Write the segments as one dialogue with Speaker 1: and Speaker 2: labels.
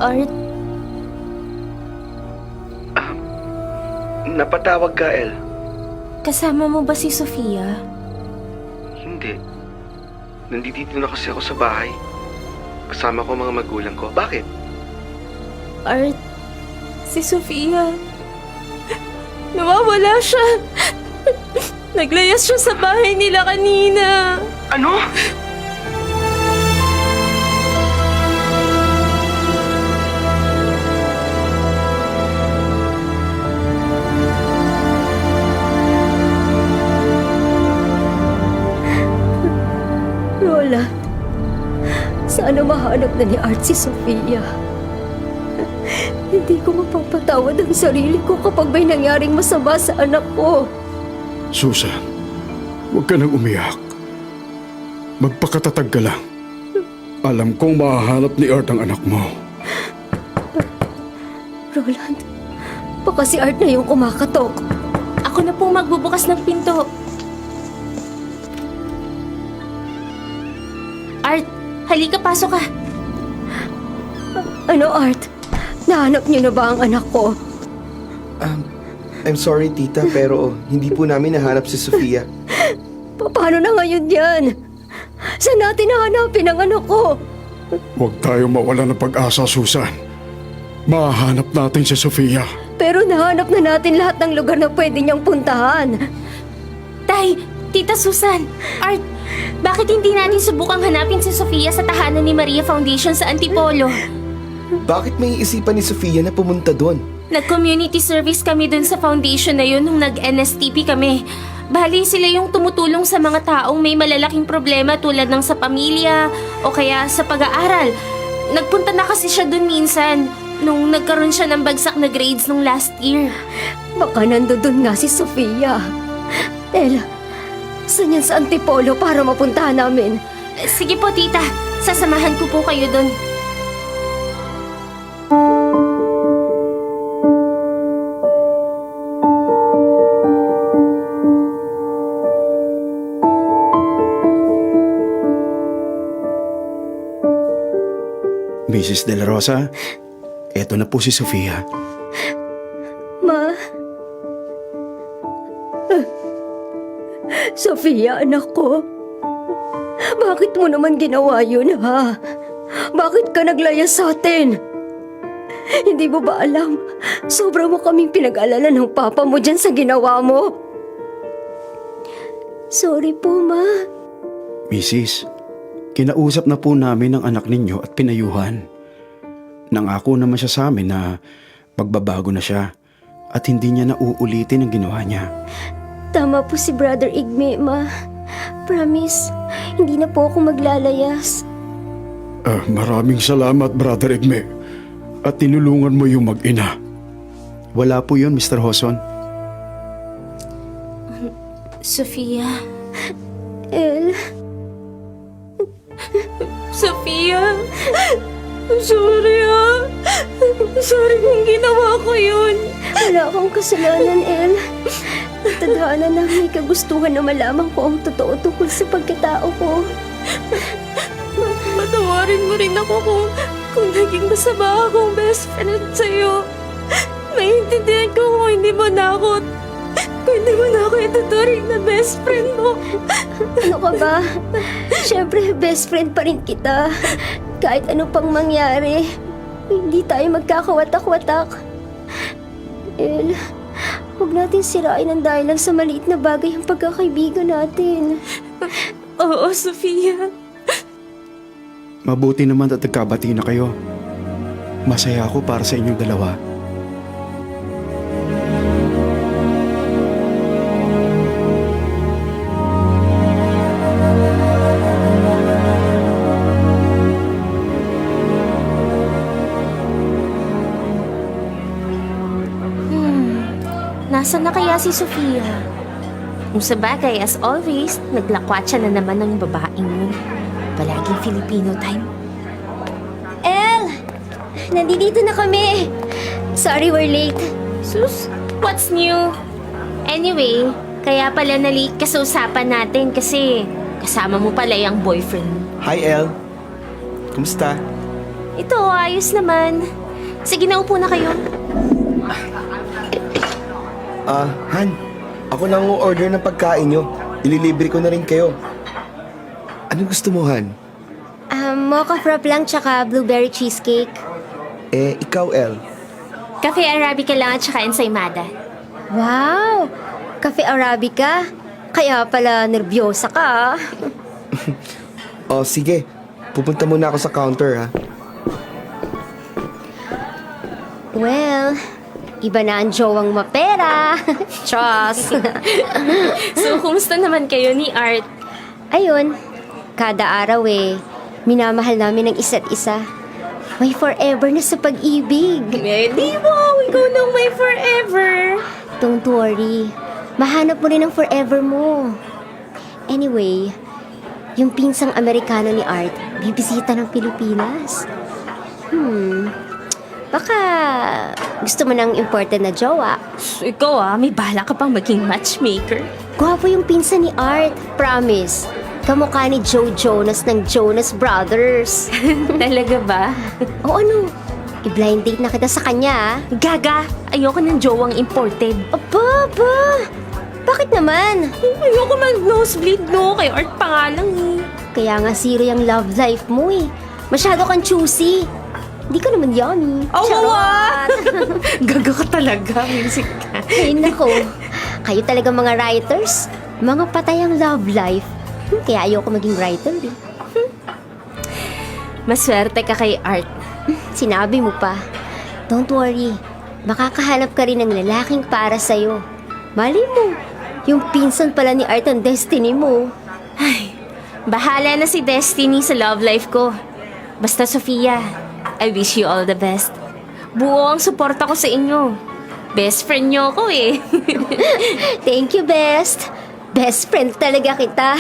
Speaker 1: Art,
Speaker 2: Napatawag ka, El?
Speaker 1: kasama mo ba si Sofia?
Speaker 2: Hindi. Nandito na kasi ako sa bahay. Kasama ko mga magulang ko. Bakit?
Speaker 1: Art, si Sofia. Nawawala siya. Naglayas siya sa bahay nila kanina.
Speaker 2: Ano?
Speaker 3: Lola, sana mahanap na ni Art si Sofia. Hindi ko mapapatawad ang sarili ko kapag may nangyaring masama sa anak ko.
Speaker 4: Susan, huwag ka nang umiyak. Magpakatatag ka lang. Alam kong mahahanap ni Art ang anak mo.
Speaker 3: Roland, baka si Art na yung kumakatok.
Speaker 1: Ako na pong magbubukas ng pinto. Art, halika, pasok ka.
Speaker 3: Ano, Art? Nahanap niyo na ba ang anak ko?
Speaker 2: I'm sorry, tita, pero hindi po namin nahanap si Sofia.
Speaker 3: Paano na ngayon yan? Saan natin nahanapin ang anak ko?
Speaker 4: Huwag tayo mawala ng pag-asa, Susan. Mahanap natin si Sofia.
Speaker 3: Pero nahanap na natin lahat ng lugar na pwede niyang puntahan.
Speaker 1: Tay, Tita Susan, Art, bakit hindi natin subukang hanapin si Sofia sa tahanan ni Maria Foundation sa Antipolo?
Speaker 2: Bakit may isipan ni Sofia na pumunta doon?
Speaker 1: Nag-community service kami dun sa foundation na yun nung nag-NSTP kami. Bali sila yung tumutulong sa mga taong may malalaking problema tulad ng sa pamilya o kaya sa pag-aaral. Nagpunta na kasi siya dun minsan nung nagkaroon siya ng bagsak na grades nung last year.
Speaker 3: Baka nandoon nga si Sofia. Ella, saan yan sa Antipolo para mapuntahan namin?
Speaker 1: Sige po, tita. Sasamahan ko po kayo dun.
Speaker 4: Mrs. De La Rosa, eto na po si Sofia.
Speaker 3: Ma? Sofia, anak ko. Bakit mo naman ginawa yun, ha? Bakit ka naglaya sa atin? Hindi mo ba alam? Sobra mo kaming pinag-alala ng papa mo dyan sa ginawa mo. Sorry po, Ma.
Speaker 4: Mrs., kinausap na po namin ang anak ninyo at pinayuhan. Nangako naman siya sa amin na magbabago na siya at hindi niya na uulitin ang ginawa niya.
Speaker 3: Tama po si Brother Igme, Ma. Promise, hindi na po ako maglalayas.
Speaker 4: Maraming salamat, Brother Igme. At tinulungan mo yung mag-ina. Wala po yun, Mr. Hoson.
Speaker 1: Sofia.
Speaker 3: El,
Speaker 1: Sofia. Sorry, ha. Sorry kung ginawa ko yun.
Speaker 3: wala akong kasalanan, El. Tadhana na may kagustuhan na malaman ko ang totoo tungkol sa pagkatao ko.
Speaker 1: Patawarin mo rin ako kung naging masama akong best friend sa'yo. Maintindihan ko kung hindi mo na ako ituturing na best friend mo.
Speaker 3: Ano ka ba? Siyempre, best friend pa rin kita. Kahit ano pang mangyari, hindi tayo magkakawatak-watak. El, huwag natin sirain ang dahilan sa maliit na bagay ang pagkakaibigan natin.
Speaker 1: Oo, Sofia.
Speaker 4: Mabuti naman at nagkabati na kayo. Masaya ako para sa inyong dalawa.
Speaker 1: Nasaan na kaya si Sofia? Kung sa bagay, as always, naglakwatsa na naman ng babaeng yun. Palaging Filipino time.
Speaker 3: El! Nandito na kami! Sorry we're late.
Speaker 1: Sus, what's new? Anyway, kaya pala na-late ka sa usapan natin kasi kasama mo pala yung boyfriend mo.
Speaker 2: Hi, El. Kumusta?
Speaker 1: Ito, ayos naman. Sige, naupo na kayo.
Speaker 5: Han, ako lang ang order ng pagkain nyo. Ililibre ko na rin kayo. Anong gusto mo, Han?
Speaker 3: Mocha frap lang tsaka blueberry cheesecake.
Speaker 5: Ikaw, El.
Speaker 1: Cafe Arabica lang at saka ensaymada.
Speaker 3: Wow! Cafe Arabica? Kaya pala nervyosa ka.
Speaker 5: Sige. Pupunta muna ako sa counter, ha?
Speaker 3: Well, iba na ang jowang mapera. Trust.
Speaker 1: So, kumusta naman kayo ni Art?
Speaker 3: Ayun, kada araw minamahal namin ang isa't isa. May forever na sa pag-ibig.
Speaker 1: Di mo, ikaw nang may forever.
Speaker 3: Don't worry, mahanap mo rin ang forever mo. Anyway, yung pinsang Amerikano ni Art, bibisita ng Pilipinas. Baka gusto mo ng important na jowa.
Speaker 1: Ikaw may bala ka pang maging matchmaker.
Speaker 3: Gwapo yung pinsan ni Art, promise. Kamukha ni Joe Jonas ng Jonas Brothers.
Speaker 1: Talaga ba?
Speaker 3: O ano, i-blind date na kita sa kanya.
Speaker 1: Gaga, ayoko ng jowang imported.
Speaker 3: Aba, bakit naman?
Speaker 1: Ayoko mag-nosebleed, no? Kay Art pa nga lang
Speaker 3: Kaya nga zero yung love life mo Masyado kang choosy. Hindi ka naman yummy. Charot!
Speaker 1: Gaga ka talaga, music ka.
Speaker 3: Ay, nako. Kayo talaga mga writers. Mga patay ang love life. Kaya ayoko maging writer
Speaker 1: Maswerte ka kay Art.
Speaker 3: Sinabi mo pa. Don't worry. Makakahanap ka rin ng lalaking para sa'yo. Mali mo. Yung pinsan pala ni Art ang destiny mo.
Speaker 1: Ay, bahala na si Destiny sa love life ko. Basta Sofia, I wish you all the best. Buo ang suporta ko sa inyo. Best friend niyo ako
Speaker 3: Thank you, best. Best friend talaga kita.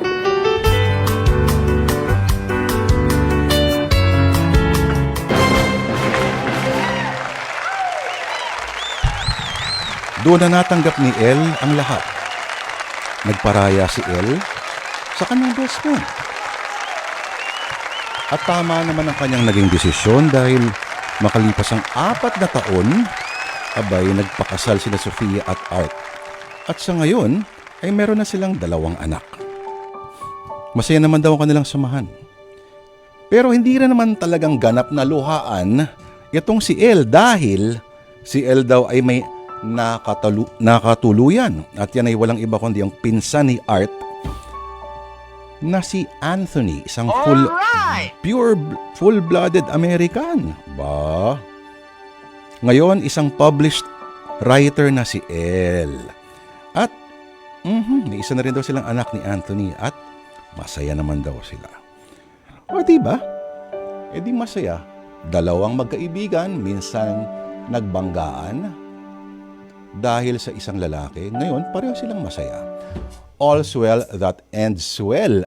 Speaker 6: Doon na natanggap ni El ang lahat. Nagparaya si El sa kanyang best friend. At tama naman ang kanyang naging desisyon dahil makalipas ang 4 na taon, abay nagpakasal sina Sofia at Art. At sa ngayon, ay meron na silang 2 anak. Masaya naman daw ang kanilang samahan. Pero hindi rin naman talagang ganap na luhaan itong si El dahil si El daw ay may nakatuluyan. At yan ay walang iba kundi ang pinsan ni Art na si Anthony, isang full-blooded American. Ba? Ngayon, isang published writer na si El. At may isa na rin daw silang anak ni Anthony at masaya naman daw sila. O diba? E di masaya. 2 magkaibigan, minsan nagbanggaan dahil sa isang lalaki. Ngayon, pareho silang masaya. All's well that ends well,